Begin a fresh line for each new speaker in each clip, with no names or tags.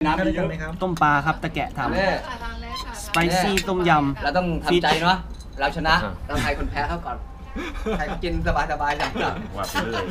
น้ำเยอะไหมครับ
ต้มปลาครับตะแกะทำสไปซี่ต้มยำ
เราต้องทำใจเนาะเราชนะเราใครคนแพ้เขาก่อนใครกินสบายจัง
ว่าไปเลย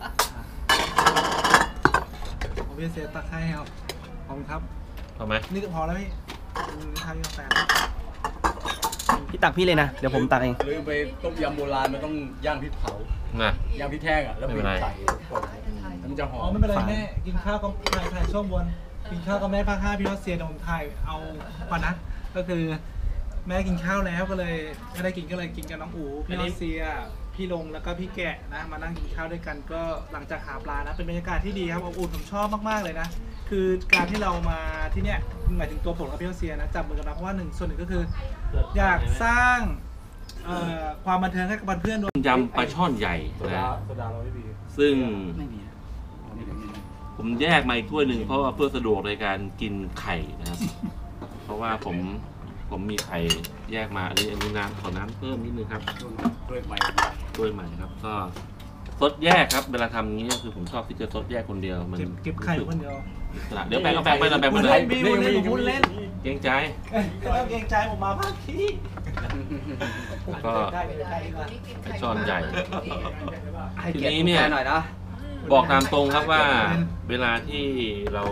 ผมพี่เซตตักให้ครับขอบคุณครับ
พอไหม
นี่ก็พอแล้วพี่ทานกาแฟ
พี่ตักพี่เลยนะเดี๋ยวผมตักเอง
ลืมไปต้มยำโบราณมันต้องย่างพริกเผาย่างพริกแห้งอ่ะแล้วไปใส่มันจะหอมไม่เป็นไรแม่กินข้าวก็ถ่ายช่วงบนกินข้าวกับแม่ภาค5พี่รัสเซียผมถ่ายเอาก่อนนะก็คือแม่กินข้าวแล้วก็เลยไม่ได้กินก็เลยกินกับน้องอู๋พี่รัสเซียพี่ลงแล้วก็พี่แกะนะมานั่งกินข้าวด้วยกันก็หลังจากหาปลานะเป็นบรรยากาศที่ดีครับอบอุ่นผมชอบมากๆเลยนะคือการที่เรามาที่เนี้ยหมายถึงตัวผมกับพี่รัสเซียนะจับมือกันมาเพราะว่าส่วนหนึ่งก็คืออยากสร้างความบันเทิงให้กับเพื่อนด้วย
ยำปลาช่อนใหญ่นะซึ่งผมแยกมาอีกถ้วยหนึ่งเพราะว่าเพื่อสะดวกในการกินไข่นะครับเพราะว่าผมมีไข่แยกมาอันนี้น้ำขอน้ำเพิ่มนิดนึงครับด้วยใหม่ครับก็ซดแยกครับเวลาทำอย่างนี้ก็คือผมชอบที่จะซดแยกคนเดียวมัน
เก็บไข่คนเดียว
เดี๋ยวแบ่งไปเราแบ่งไปเลย
พูดเล่น
เกรงใจ
เกรงใจผมมาภาคที่
ก็ไก่ช่อนใหญ่ทีนี้เนี่ยบอกตามตรงครับว่าเวลาที่เรา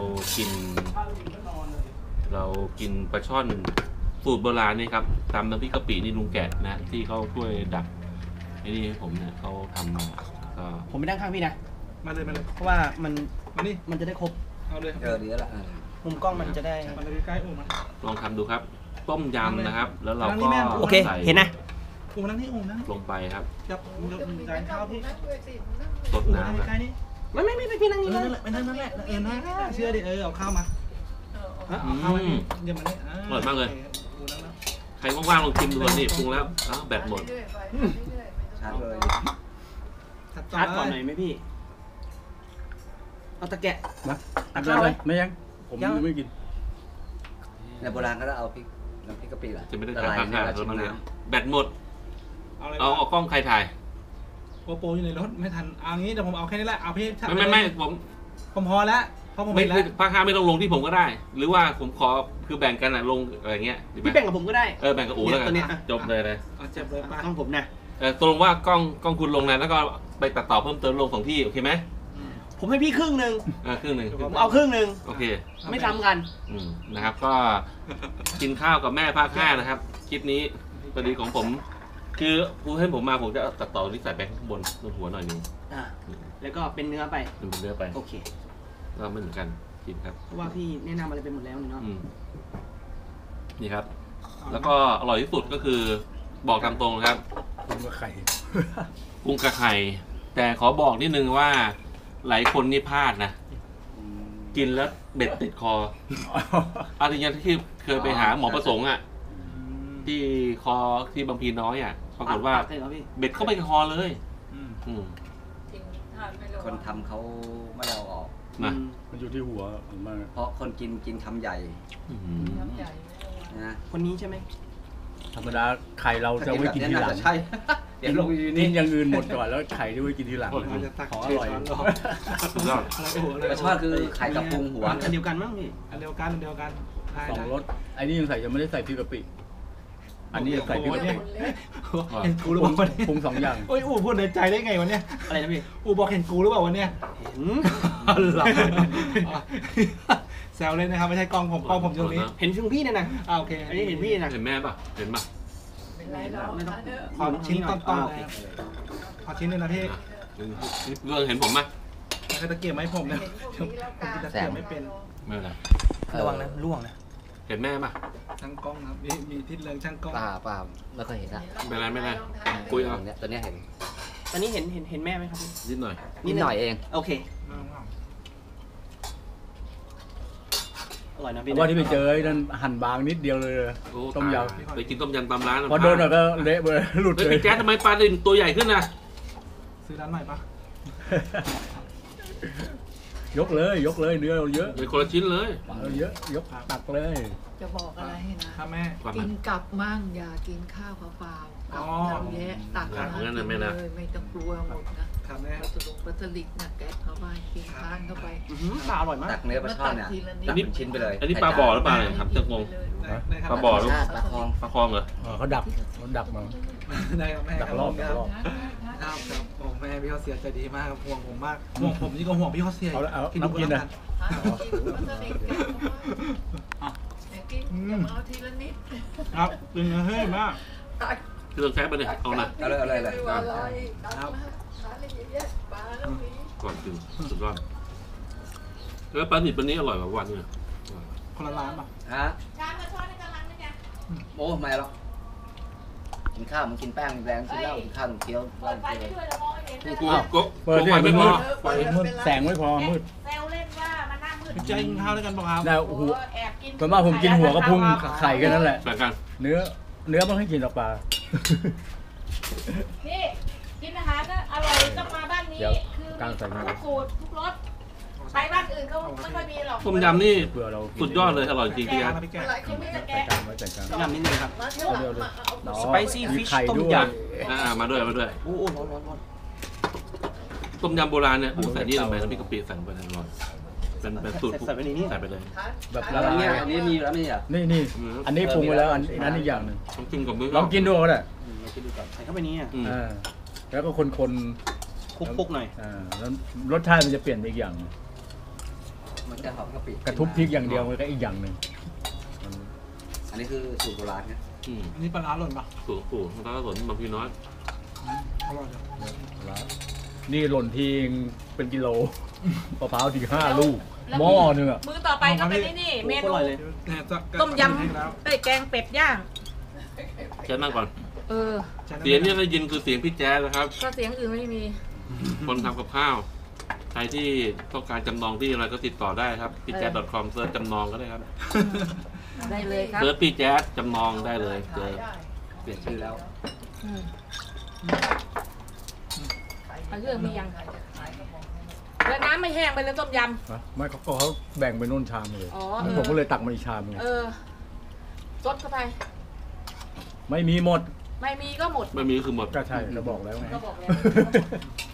กินปลาช่อนสูตรโบราณนี่ครับตำน้ำพริกกะปินี่ลุงแกะนะที่เขาช่วยดักไอ้นี่ให้ผมเนี่ยเขาทำมาก็
ผมไปนั่งข้างพี่นะ
มาเลย
เพราะว่ามันจะได้ครบ
เอาเลย
ดีแล้ว
มุมกล้องมันจะได้
มันเลยใกล้อู่มา
ลองทำดูครับต้มยำนะครับแล้วเราก็
โอเคเห็นนะ
อู่นั่งที่อู่นะ
ลงไปครับ
จับจานข้าวพี่
สดน้ำนะ
ไม่พี่นั่งนี่นะ
ไม่นั่งนั่นแหละเชื่อดิเอาข้าวมา
อย่ามาเนี่ยอร่อยมากเลยใครว่างๆลองชิมดูนี่ปรุงแล้วแบตหมด
ชาร์จเลย
ชาร์จก่อนหน่อยไหมพี่เอาตะแกะ
มาตักข้าวเลยไม่ยังผมไม่กิน
ในโบราณก็ต้องเอาพริกน้ำพริกกะปิแหละ
จะไม่ได้ถ่ายภาพแล้วมั้งเนี่ยแบตหมดเอากล้องใครถ่าย
โปอยู่ในรถไม่ทันเอางี้แต่ผมเอาแค่นี้แหละเอาพี่
ไม่
ผมพอแล้วเพราะผม
ไม่ภาค5ไม่ต้องลงที่ผมก็ได้หรือว่าผมขอคือแบ่งกันลงอะไรเงี้ย
พี่แบ่งกับผมก็ได้
แบ่งกับอู๋แล้วกันจบเลย
เจ็บเลยป้า
ต้องผมนะ
ตกลงว่ากล้องคุณลงนะแล้วก็ไปตัดต่อเพิ่มเติมลง2ที่โอเคไหม
ผมให้พี่ครึ่งนึงผมเอาครึ่งนึง
โอเค
ไม่ทำกัน
นะครับก็กินข้าวกับแม่ภาค5นะครับคลิปนี้พอดีของผมคือผู้ให้ผมมาผมจะตัดต่อที่ใส่แบงค์บนหัวหน่อยนึง
แล้วก็เป็นเนื้อไปโอเค
ก็ไม่เหมือนกันกินครับ
เพราะว่าพี่แนะนำอะไรไปหมดแล้วเนาะ
นี่ครับแล้วก็อร่อยที่สุดก็คือบอกตามตรงครับ
กุ้งกับไข่
แต่ขอบอกนิดนึงว่าหลายคนนี่พลาดนะกินแล้วเบ็ดติดคออะไรอย่างที่เคยไปหาหมอประสงค์อ่ะที่คอที่บางพีน้อยอ่ะปรากฏว่าเบ็ดเข้าไปคอเลย
คนทำเขาไม่เอาออก
มันอยู่ที่หัวมัน
เพราะคนกินคำใหญ่
นะคนนี้ใช่ไหม
ธรรมดาไข่เราจะไว้กินทีหลัง
ใช่เดี๋ยวลง
กินอย่างอื่นหมดก่อนแล้วไข่ที่ไว้กินทีหลังขออร่อย
กระชอนคือไข่กับพุงหัว
อันเดียวกันมั้งพี่
อันเดียวกัน
2 รสไอ้นี่ยังใส่ยังไม่ได้ใส่พริกกะปิอันนี้ใส่พริกกะปิ
เห็นกูหรือเปล่า
ปรุง2 อย่าง
โอ้ยอู๋พูดในใจได้ไงวะเนี่ย
อะไรนะพี่
อู๋บอกเห็นกูหรือเปล่าวะเนี่ย
เห็น
แซวเลยนะครับไม่ใช่กล้องผมตรงนี้
เห็นช่วงพี่เนี่ยนะ
โอเค
อันนี้เห็นพี่นะ
เห็นแม่ป่ะเห็นป่ะ
ไม่ต้องขอชิ้นต้นขอชิ้นนึงนะพี่
เรื่องเห็นผมไหม
ใครตะเกียบไหมผมเนี่ยผมกินตะเกียบไม่เป็น
ไม่เป็นไร
ระวังนะล่วงนะ
เห็นแม่ป่ะ
ช่างกล้องครับมีทิศเรืองช่างกล้อง
ป่าไม่เคยเห็นนะ
ไม่เป็นไรคุยเอา
ตัวนี้เห็น
ตอนนี้เห็นแม่ไหมครับพี่
นิดหน่
อยเอง
โอเคอร่อยนะพี่
ว่าที่ไปเจอนั่นหั่นบางนิดเดียวเลยต้มย
ำไปกินต้มยำตามร้าน
พอโดนแล้วก็เละไปหลุดเลย
แจ๊สทำไมปลาดินตัวใหญ่ขึ้นนะ
ซื้อร้านใหม่ปะ
ยกเลยเนื้อเราเยอะ
เลยคนละชิ้นเลย
เยอะยกตักเลย
จะบอกอะไรให้นะ
แม่
กินกลับมั่งอย่ากินข้าวเปล่า
อ๋อ
เยอะตัก
งั้นนะแม่นะ
เลยไม่ต้องกลัวหมดนะครับ
แม่
ปลาสปลาสลิดนะแกะเข้าไปกินทานเข้าไป
ปลาอร่อยมาก
ตักเนื้อปลาช่อนเนี่ยตักเป็นชิ้นไปเลย
อันนี้ปลาบ่อหรือปลาอะไรครับจะงง
ได้ครับ
ปลาบ่อหรือ
ปลาคลอง
ปลาคลองเหรอ
เขาดักมา
ได้ครับแม่
ดักรอบ
ครับครับโอ้แม่พี่เขาเสียใจดีมากครับห่วงผมมากห่วงผมนี่ก็ห่วงพี่เขาเสีย
เอาน้ำกินนะ
กินเอาทีละนิด
ครับเป็นเฮ้ยมาก
เครื่องแซ่บไปเลยเอาหน่อย
เอาเลยเอาเลยเลย
ครับปลาแล้วมี
ก่อนกินสุดยอดแล้วปลาหนิบวันนี้อร่อยกว่าวันเนี่ย
คนละร้านป่ะ
ฮะโอ้ไม่หรอกกินข้าวมันกินแป้งแรงกินเหล้ากินข้าวมันเคี้ยวเหล้าเคี้ยว
กูก็
เปิด
ไฟ
ไม่
ไม่พ
มื
อ
ดไฟมืดแสงไม่พอมืด
แซวเล่นว่ามานั่งมืด
พี่แจ๊คกินข้าวด้วยกันป่ะครับ
ได้หัว
แอบกิน
ส่วนมากผมกินหัวกระพุ้งไข่แค่นั้นแหละ
แบ่งกัน
เนื้อไม่ให้กินหรอกปลา
นี่กินอาหารก็อร่อยต้องมาบ้านนี้
เดี๋ยว
คือก
ลางใส่มือ
ทุกสูตรทุกรสไปบ้านอื่นเขาไม่ค่อยมีหรอก
ต้มยำนี่
เผื่อเรา
สุดยอดเลยอร่อยจริงพี่
แก
ครั
ง
บ
นะพี่แกง
หลายคนไม่จะ
ใส่
แกะ
กลางไว้ใส่กลาง
ยำนิดนึงครับ
เร็ว
สไปซี่
มีไข่ด้วย
มาด้วยมาด้วย
โอ้ร้อนร้อนร้อน
ต้มยำโบราณเนี่ยใส่นี่ลงไปแล้วพี่กะปิใส่ลงไปอร่อยเป็นสูตรใส่ไปเลย
แบบละ
แล้ว
ลา
อันนี้
ย
อันนี้มีอยู่แล้วไม่ใช่เหรอ
นี่อันนี้ปรุงไปแล้วอันนั้นอีกอย่างหนึ่ง
ต้องกินกับมือ
ลองกินดูก็ได้
มาคิดดูก่อน
ใส่เข้าไปนี่อ่ะ
แล้วก็คน
คลุกๆหน่อย
แล้วรสชาติมันจะเปลี่ยนไปอีกอย่าง
มันจะหอมกะปิ
กระทุบพริกอย่างเดียวมันก็อีกอย่างหนึ่ง
อันนี้คือสูตรโบราณนะ
อันนี้ปลาร้าหล่นป่ะ
สูตรปู่แล้วก็สนบางพีน้อย
อร่อยจัง
นี่หล่นทีเป็นกิโลมะพร้าวที5 ลูกหม้อนึงอ่ะ
มือต่อไปก็เป็นนี่เมนู
เนี่ยจะ
ต้มยำไอ้แกงเป็ดย่าง
แค่นั่งก่อน
เออ
เสียงที่ได้ยินคือเสียงพี่แจ๊สนะครับ
ก็เสียงอื่นไม่มี
คนทำกับข้าว ใครที่ต้องการจำนองที่อะไรก็ติดต่อได้ครับพี่แจ๊ส .com เซิร์ชจำนองก็ได้ครับ
ได้เลยครับ
เซิร์ชพี่แจ๊สจำนองได้เลยเจอ
เปลี่ยนชื่อแล้ว
เอาเรื่องมียังแล้วน้ำไม่แห้งไปเลยต้มย
ไม่เขาแบ่งไปนู่นชามเลย
อ๋อ
แล้วผมก็เลยตักมาอีกชามนึง
ำซดเข้าไป
ไม่มีหมด
ไม่มีก็หมด
ไม่มีคือหมด
ก็ใช่เราบอกแล้วไง
ก็บอกแล้ว